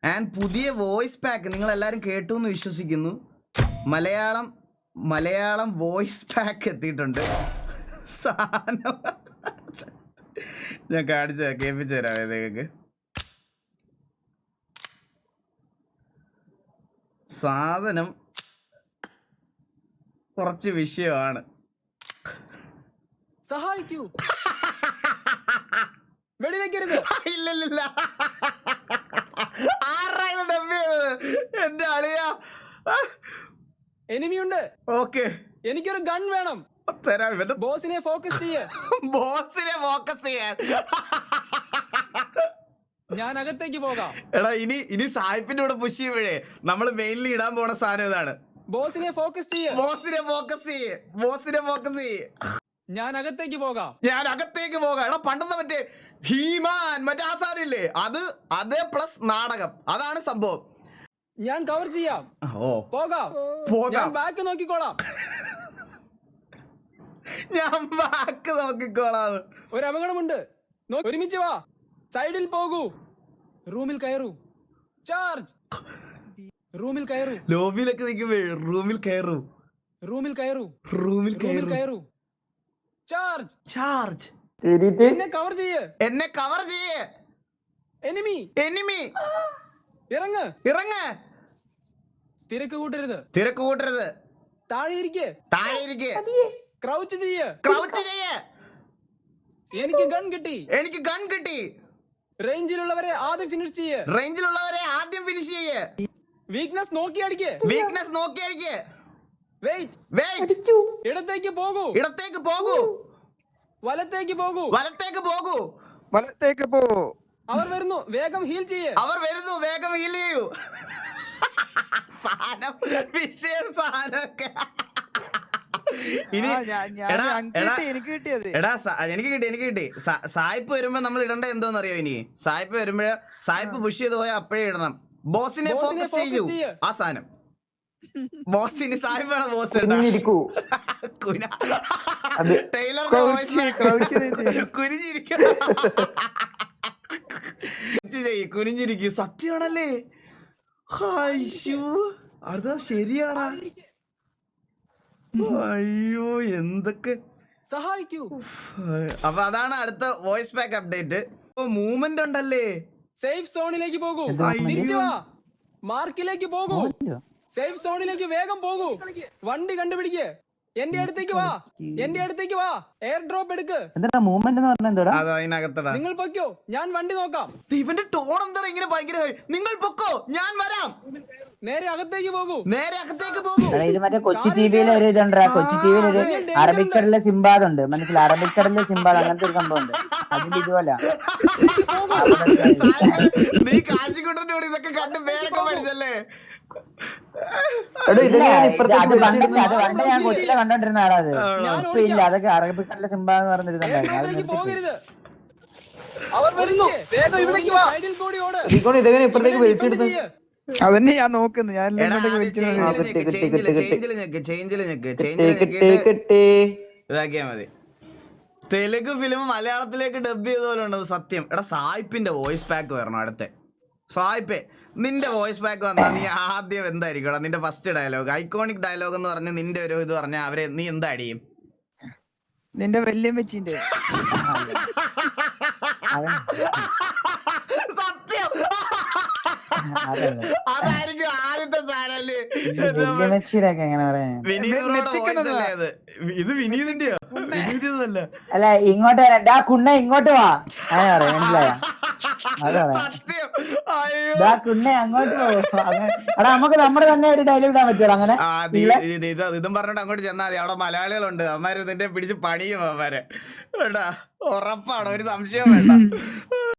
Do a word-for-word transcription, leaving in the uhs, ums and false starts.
And പുതിയ voice pack നിങ്ങൾ എല്ലാവരും കേട്ടു എന്ന് വിശ്വസിക്കുന്നു. മലയാളം മലയാളം വോയിസ് പാക്ക് എത്തിയിട്ടുണ്ട്. സാധനം ഞാൻ കാണിച്ച കേൾപ്പിച്ചു തരാം നിങ്ങൾക്ക്. സാധനം കുറച്ച് വിഷയമാണ്. സഹായിക്കൂ, വെടിവെക്കരുത്. ഇല്ലില്ല, ആരാണ് ഡബ് ചെയ്തത്? എന്റെ അളിയാ. എനിമിയുണ്ട്. ഓക്കെ, എനിക്കൊരു ഗൺ വേണം. തരാം. ഇവന്റെ ബോസിനെ ഫോക്കസ് ചെയ്യ. ബോസിനെ ഫോക്കസ് ചെയ്യാൻ. ഞാൻ അകത്തേക്ക് പോകാം. എടാ ഇനി ഇനി സായിപ്പിന്റെ കൂടെ പുഷ് ചെയ്യുമ്പോഴേ നമ്മൾ മെയിൻലി ഇടാൻ പോണ സാധനം ഇതാണ്. ബോസിനെ ഫോക്കസ് ചെയ്യ. ബോസിനെ ഫോക്കസ് ചെയ്യ്. ബോസിനെ ഫോക്കസ് ചെയ്യ്. ഞാൻ അകത്തേക്ക് പോകാം. ഞാൻ അകത്തേക്ക് പോകാം. എടാ പണ്ടത്തെ മറ്റേ ഹീമാൻ മറ്റേ ആ സാധനം ഇല്ലേ, അത് അതേ പ്ലസ് നാടകം, അതാണ് സംഭവം. ഞാൻ കവർ ചെയ്യാം. ഓ പോകാം. പോകാം. ഞാൻ ബാക്ക് നോക്കിക്കോളാം. ഞാൻ ബാക്ക് നോക്കിക്കോളാം. ഒരു അപകടമുണ്ട്. നോ- ഒരുമിച്ച് വാ. സൈഡിൽ പോകൂ. റൂമിൽ കയറൂ. ചാർജ്. റൂമിൽ കയറൂ. ലോബിയിലൊക്കെ നിൽക്കുമ്പോ റൂമിൽ കയറൂ. റൂമിൽ കയറൂ. റൂമിൽ റൂമിൽ കയറൂ. കയറൂ. ചാർജ്. ചാർജ്. എന്നെ കവർ ചെയ്യ്. എന്നെ കവർ ചെയ്യ്. എനിമി. എനിമി. ഇറങ്ങ്. ഇറങ്ങ്. തിരക്ക് കൂട്ടരുത്. തിരക്ക് കൂട്ടരുത്. താഴെ ഇരിക്ക്. താഴെ ഇരിക്ക്. ക്രൗച്ച് ചെയ്യ്. ക്രൗച്ച് ചെയ്യ്. എനിക്ക് ഗൺ കിട്ടി. എനിക്ക് ഗൺ കിട്ടി. റേഞ്ചിലുള്ളവരെ ആദ്യം ഫിനിഷ് ചെയ്യ്. റേഞ്ചിലുള്ളവരെ ആദ്യം ഫിനിഷ് ചെയ്യ്. വീക്ക്നെസ് നോക്കി അടിക്ക്. വീക്ക്നെസ് നോക്കി അടിക്ക്. വെയിറ്റ്. വെയിറ്റ്. ഇടത്തേക്ക് പോകൂ. ഇടത്തേക്ക് പോകൂ. വലത്തേക്ക് പോകൂ. വലത്തേക്ക് പോകൂ. വലത്തേക്ക് പോ. അവർ വരുന്നു, വേഗം ഹീൽ ചെയ്യ്. അവർ വരുന്നു, വേഗം ഹീൽ ചെയ്യൂ. സാധനം വിഷയം സാധനമൊക്കെ. ഇനി ആ, ഞാൻ- ഞാൻ എടാ, ഞങ്ങൾക്ക് എടാ, കിട്ടി, എനിക്ക് കിട്ടിയത്. എടാ സ- എനിക്ക് കിട്ടി എനിക്ക് കിട്ടി സ- സായിപ്പ് വരുമ്പോ നമ്മൾ ഇടണ്ട എന്തോന്ന് അറിയോ? ഇനി സായിപ്പ് വരുമ്പോഴേ സായിപ്പ് പുഷ് ചെയ്ത് പോയാൽ അപ്പോഴേ ഇടണം. ബോസിനെ ബോസിനെ ഫോക്കസ് focus ചെയ്യൂ. ചെയ്യ്. ആ സാധനം ബോസിന് സായിപ്പാണ് ബോസ് ഇടാ. കുന ടൈലറിന്റെ ക്രൗച്ച് ചെയ്യ്, ക്രൗച്ച് വോയിസ് ചെയ്യ്. കുനിഞ്ഞിരിക്കും. കുനിഞ്ഞിരിക്കും. സത്യമാണല്ലേ? അയ്യോ അത് ശരിയാടാ. അയ്യോ എന്തൊക്കെ. സഹായിക്കൂ. അപ്പൊ അതാണ് അടുത്ത വോയിസ് പാക്ക് അപ്ഡേറ്റ്. മൂവ്മെന്റ് ഉണ്ടല്ലേ? സേഫ് സോണിലേക്ക് പോകൂ. അയ്യോ. തിരിച്ചു വാ. മാർക്കിലേക്ക് പോകൂ. സേഫ് സോണിലേക്ക് വേഗം പോകൂ. വണ്ടി കണ്ടുപിടിക്ക്. എന്റെ അടുത്തേക്ക് വാ. എന്റെ അടുത്തേക്ക് വാ. എയർ ഡ്രോപ്പ് എടുക്ക്. എന്താ മൂവ്മെന്റ് എന്ന് പറഞ്ഞാൽ എന്താ? അത് അതിനകത്തടാ. നിങ്ങൾ പൊക്കോ, ഞാൻ വണ്ടി നോക്കാം. ഇവന്റെ ടോൺ എന്താ ഇങ്ങനെ ഭയങ്കര high? നിങ്ങൾ പൊക്കോ, ഞാൻ വരാം. നേരെ അകത്തേക്ക് പോകൂ. നേരെ അകത്തേക്ക് പോകൂ. എടാ, ഇത് മറ്റേ കൊച്ചി ടി വിയിലെ ഒരു ഇതുണ്ടാ. കൊച്ചി ടി വിയിൽ ഒരു അറബിക്കടലിലെ സിംബാദ് ഉണ്ട്, മനസ്സിലായി? അറബിക്കടലിലെ സിംബാദ് അങ്ങനത്തെ ഒരു സംഭവം ഉണ്ട്. അതിന്റെ ഇതുപോലെ നീ കാശിക്കുട്ടന്റെ കൂടെ ഇതൊക്കെ കണ്ട് പേരൊക്കെ പഠിച്ചല്ലേ? അത് പണ്ട് അത് പണ്ട് ഞാൻ കൊച്ചിയിലെ കണ്ടോണ്ടിരുന്ന ആടാ. അത് ഇപ്പൊ ഇല്ല. അതൊക്കെ അറബിക്കടലിലെ സിംബാദ് എന്ന് പറഞ്ഞിരുന്നുണ്ടായിരുന്നു. അത് എയർപോർട്ടിലേക്ക് നിർത്തി. പോകരുത്. അവർ വരുന്നു. വേഗം ഇവിടേക്ക് വാ. സൈഡിൽ കൂടി ഓട്. ഇതെങ്ങനെ ഇപ്പഴത്തേക്ക് വലിച്ചെടുത്ത്? അതന്നെ ഞാൻ നോക്കുന്നു. ഞാൻ എല്ലാം എടാ, കൊണ്ടൊക്കെ ആദ്യം വലിച്ചു ചേഞ്ചില് നോക്കുന്നു. ഞെക്ക്, ചേഞ്ചില്, ചേഞ്ചില് ഞെക്ക്, ചേഞ്ചില് ഞെക്ക്, ചേഞ്ചില് ഞെക്കിയിട്ട് ഇതാക്കിയാ മതി. തെലുങ്ക് ഫിലിം മലയാളത്തിലേക്ക് ഡബ് ചെയ്ത പോലെ ഉണ്ടത് സത്യം. എടാ സായിപ്പിന്റെ വോയിസ് പാക്ക് വരണം അടുത്ത. സായിപ്പേ നിന്റെ വോയിസ് പാക്ക് വന്നാൽ നീ ആദ്യം എന്തായിരിക്കും? എടാ നിന്റെ ഫസ്റ്റ് ഡയലോഗ്, ഐക്കോണിക് ഡയലോഗ് എന്ന് പറഞ്ഞ് നിന്റെ ഒരു ഇത് പറഞ്ഞാൽ അവരെ നീ എന്താ അടിയും? നിന്റെ വല്യമ്മച്ചിന്റെ സത്യം അതായിരിക്കും ആദ്യത്തെ സാധനല്ലേ? വല്യമ്മച്ചിയുടെ ഒക്കെ എങ്ങനെ പറയാ? വിനീതിനോട് വോയിസ് അല്ലേ അത്? ഇത് വിനീതിന്റെയോ? വിനീതിന്നല്ല. അല്ല, ഇങ്ങോട്ട് വരാ. ഡാ കുണ്ണ ഇങ്ങോട്ട് വാ. അങ്ങനെ പറയാം, മനസ്സിലായ? അത് പറയാം. സത്യം. അയ്യോ. ഡാ കുണ്ണ അങ്ങോട്ട് പോ. അങ്ങനെ എടാ നമുക്ക് നമ്മുടെ തന്നെ ഒരു ഡയലോഗ് ഇടാൻ പറ്റുമോ അങ്ങനെ? ആ, നീ ഇത് ഇത് ഇതും പറഞ്ഞിട്ട് അങ്ങോട്ട് ചെന്നാ മതി. അവിടെ മലയാളികളുണ്ട്, അവന്മാര് നിന്റെ പിടിച്ച് പണിയും അവന്മാരെ. വേണ്ട, ഉറപ്പാണ്, ഒരു സംശയം വേണ്ട.